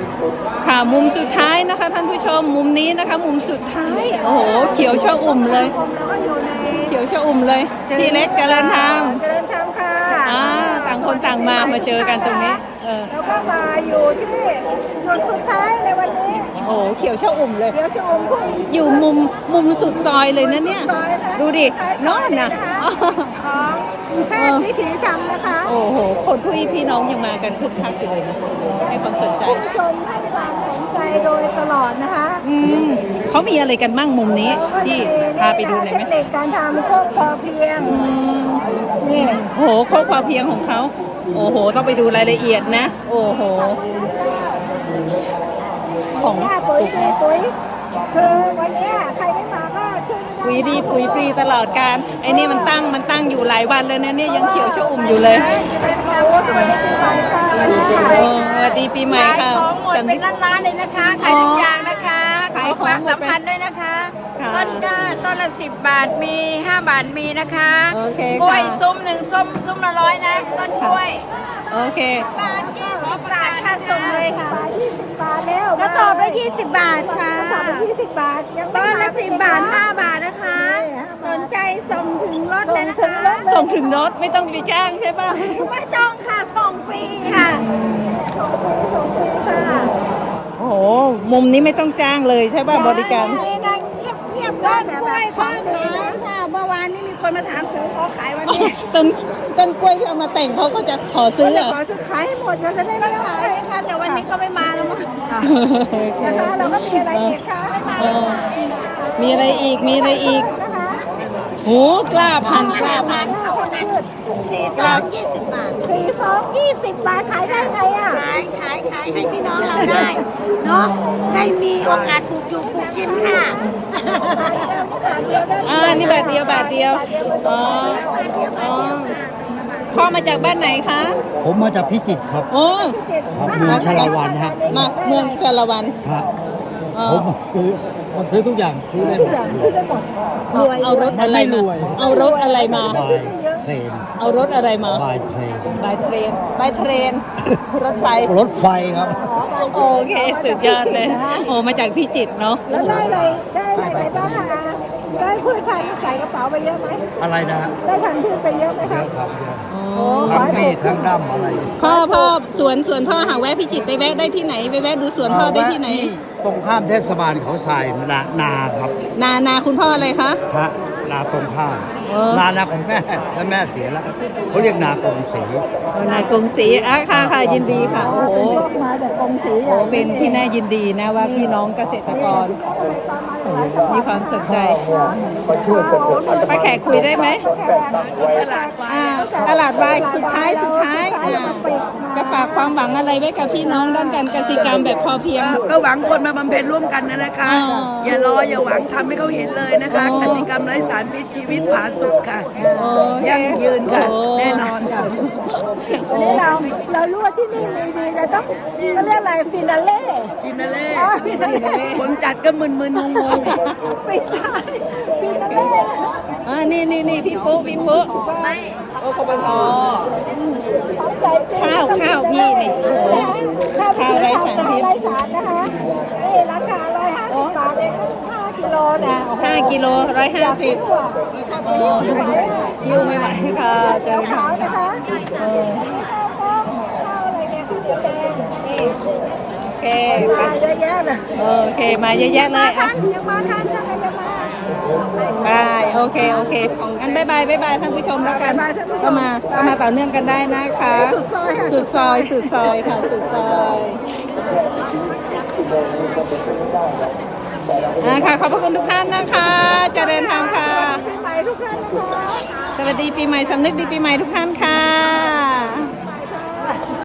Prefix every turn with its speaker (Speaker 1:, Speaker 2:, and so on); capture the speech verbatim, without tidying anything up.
Speaker 1: ค่ะมุมสุดท้ายนะคะท่านผู้ชมมุมนี้นะคะมุมสุดท้ายโอ้โหเขียวชอุ่มเลยเขียวชอุ่มเลยพี่เล็กเจริญธรรม
Speaker 2: เจริญธรรมค่ะ
Speaker 1: อ่าต่างคนต่างมามาเจอกันตรงนี้เออ
Speaker 2: แล้วก็มาอยู่ที่จุดสุดท้ายในวันนี้
Speaker 1: โอ้โหเขียวชอุ่มเลย
Speaker 2: เดี๋ยวจะอมคุย
Speaker 1: อยู่มุมมุมสุดซอยเลยนะเนี่ยดูดินอนนะ
Speaker 2: ของแพทย์วิถีธรรมนะคะ
Speaker 1: โอ้โหคนผู้พี่น้องยังมากันคึกคักอยู่เลยนะให้ความสนใจ
Speaker 2: ผู้ชมให้ความสนใจโดยตลอดนะคะ
Speaker 1: อืมเขามีอะไรกันมั่งมุมนี้ที่พาไปดูหน่อยไหม
Speaker 2: เทคนิคการทำโคกพอเพียง
Speaker 1: นี่โอ้โหโคกพอเพียงของเขาโอ้โหต้องไปดูรายละเอียดนะโอ้โห
Speaker 2: ของปุ๋ยปุ๋ยคือวันนี้ใครไม่มาก็ช่วยไม่ได้
Speaker 1: ปุ๋ยดีปุ๋ยฟรีตลอดการไอ้นี่มันตั้งมันตั้งอยู่หลายวันเลยนะเนี่ยยังเขียวชอุ่มอยู่เลยสวัสดีปีใหม่ค่ะ
Speaker 3: ของหมดเป็นร้านๆเลยนะคะขายทุกอย่างนะคะขายฝากสัมพันธ์ด้วยนะคะต้นก็ต้นละสิบบาทมีห้าบาทมีนะคะกล้วยซุ้มหนึ่งส้มซุ้มละร้อยนะต้นกล้วย
Speaker 1: โอเค
Speaker 3: บาทยี่สิบบาทค่าส่งเลยค่ะ
Speaker 2: บาทยี่สิบบาทแล้ว
Speaker 3: กระสอบละยี่สิบบาทค่ะ
Speaker 2: กระสอบละยี่สิบบาทยัง
Speaker 3: ต้นละสิบบาทห้าบาทนะคะสนใจส่งถึงรถเลยนะคะ
Speaker 1: ส่งถึงรถไม่ต้องไปจ้างใช่ป่ะ
Speaker 3: ไม่ต้องค่ะส่งฟรีค่ะ
Speaker 2: ส่งฟรีส่งฟรีค่ะ
Speaker 1: โอ้โหมุมนี้ไม่ต้องจ้างเลยใช่ป่ะบริการ
Speaker 2: นี่นะเงียบเงียบ
Speaker 3: ต้นกล้วยต้นนี้ค่ะเมื่อวานนี้มีคนมาถามซื้อขอขายวันนี้
Speaker 1: ต้นต้นกล้วยที่เอามาแต่งเขาก็จะขอซื้อ
Speaker 2: ขอซื้อขายให้หมดเราจะได้
Speaker 3: ไม่ขายค่ะแต่วันนี้เขาไม่มาแล้วมั้ง
Speaker 2: นะคะเราก็มีอะไรอีกคะ
Speaker 1: มีอะไรอีกมีอะไรอีกโอ้กล้าพันกล้าพัน
Speaker 3: สี่ซองยี่สิบบาท
Speaker 2: สี่ซองยี่สิบบาทขายได้ไงอ่ะ
Speaker 3: ขายขายขายให้พี่น้องเราได้เนาะได้มีโอกาสปลูกอยู่ปลูกกินค่ะ
Speaker 1: อ่านี่บาทเดียวบาทเดียวอ๋ออ๋อพ่อมาจากบ้านไหนคะ
Speaker 4: ผมมาจากพิจิตรครับ
Speaker 1: โอ้
Speaker 4: ครับเมืองชลวันฮะ
Speaker 1: มาเมืองชลวัน
Speaker 4: ฮะผมมาซื้อมาซื้อทุกอย่างซื้อได้หมด
Speaker 2: ซื้อได้หมด
Speaker 1: เอารถอะไรมาเอารถอะไรมา
Speaker 4: บายเทรน
Speaker 1: เอารถอะไรมา
Speaker 4: บายเทรน
Speaker 1: บายเทรนบายเทรนรถไฟ
Speaker 4: รถไฟครับ
Speaker 1: โอเคสุดยอดเลยโอ้มาจากพิจิตรเนาะ
Speaker 2: แล้วได้อะไรได้อะไรไปบ้างคะได้พืชพันธุ์ใส่กระเป๋าไปเยอะไหม
Speaker 4: อะไรนะ
Speaker 2: ได้พันธุ์พืชไปเยอะไหมครับ
Speaker 4: ทั้งมีทั้งดำอะไร
Speaker 1: พ่อพ่อสวนสวนพ่อหาแวะพิจิตรไปแวะได้ที่ไหนไปแวะดูสวนพ่อได้ที่ไหน
Speaker 4: ตรงข้ามเทศบาลเขาทรายนานาครับ
Speaker 1: นานาคุณพ่ออะไรคะ
Speaker 4: ฮะนาตรงข้ามนานาของแม่แล้วแม่เสียแล้วเขาเรียกนากงศรี
Speaker 1: นากงศรีอ่ะค่ะค่ะยินดีค่ะโอ้โห
Speaker 2: มาจากกงศรี
Speaker 1: โอ้เป็นที่น่ายินดีนะว่าพี่น้องเกษตรกรมีความสนใจป้าแขกคุยได้ไหมตลาดวายตลาดวายสุดท้ายสุดท้ายจะฝากความหวังอะไรไว้กับพี่น้องด้านการเกษตรกรรมแบบพอเพียง
Speaker 5: ก็หวังคนมาบำเพ็ญร่วมกันนะคะอย่ารออย่าหวังทำให้เขาเห็นเลยนะคะเกษตรกรรมไร้สารพิษชีวิตผาสุกค่ะยั่งยืนค่ะแน่นอนค่ะ
Speaker 2: วันนี้เราเรารู้ว่าที่นี่มีดีแต่ต้องเขาเรียกอะไรฟินาเล่
Speaker 5: ฟินาเล่คนจัดก็มึนๆงง
Speaker 2: ๆปิดท้ายฟินาเล่
Speaker 1: อ่านี่นี่นี่พี่ปุ๊พี่ปุ๊ไม่โอ้ขบวนทอข้าวข้าวพี่นี่
Speaker 2: ข้าวข้าวไรสารพิษไรสารนะคะนี่ราคาร้อยห้าสิบบาทเองห้ากิโลนะ
Speaker 1: ห้ากิโลร้อยห้าสิบยิ้วไม่ไหวค่ะเจอ
Speaker 2: ขาวนะคะข้าวอะไรเนี่ยข้าวแดงนี่
Speaker 1: โอเค
Speaker 2: มาเยอะแยะเลย
Speaker 1: โอเคมาเยอะแยะเลย
Speaker 2: อ่ะยังมาทันยังไงยังมา
Speaker 1: บายโอเคโอเคงั้นบายบายบายบายท่านผู้ชมแล้วกันก็มาก็มาต่อเนื่องกันได้นะคะสุดซอยสุดซอยค่ะสุดซอยอ่าค่ะขอบพระคุณทุกท่านนะคะเจริญธรรมค่ะ
Speaker 2: ปีใหม่ทุกท่านนะคะ
Speaker 1: สวัสดีปีใหม่สำนึกดีปีใหม่ทุกท่านค่ะ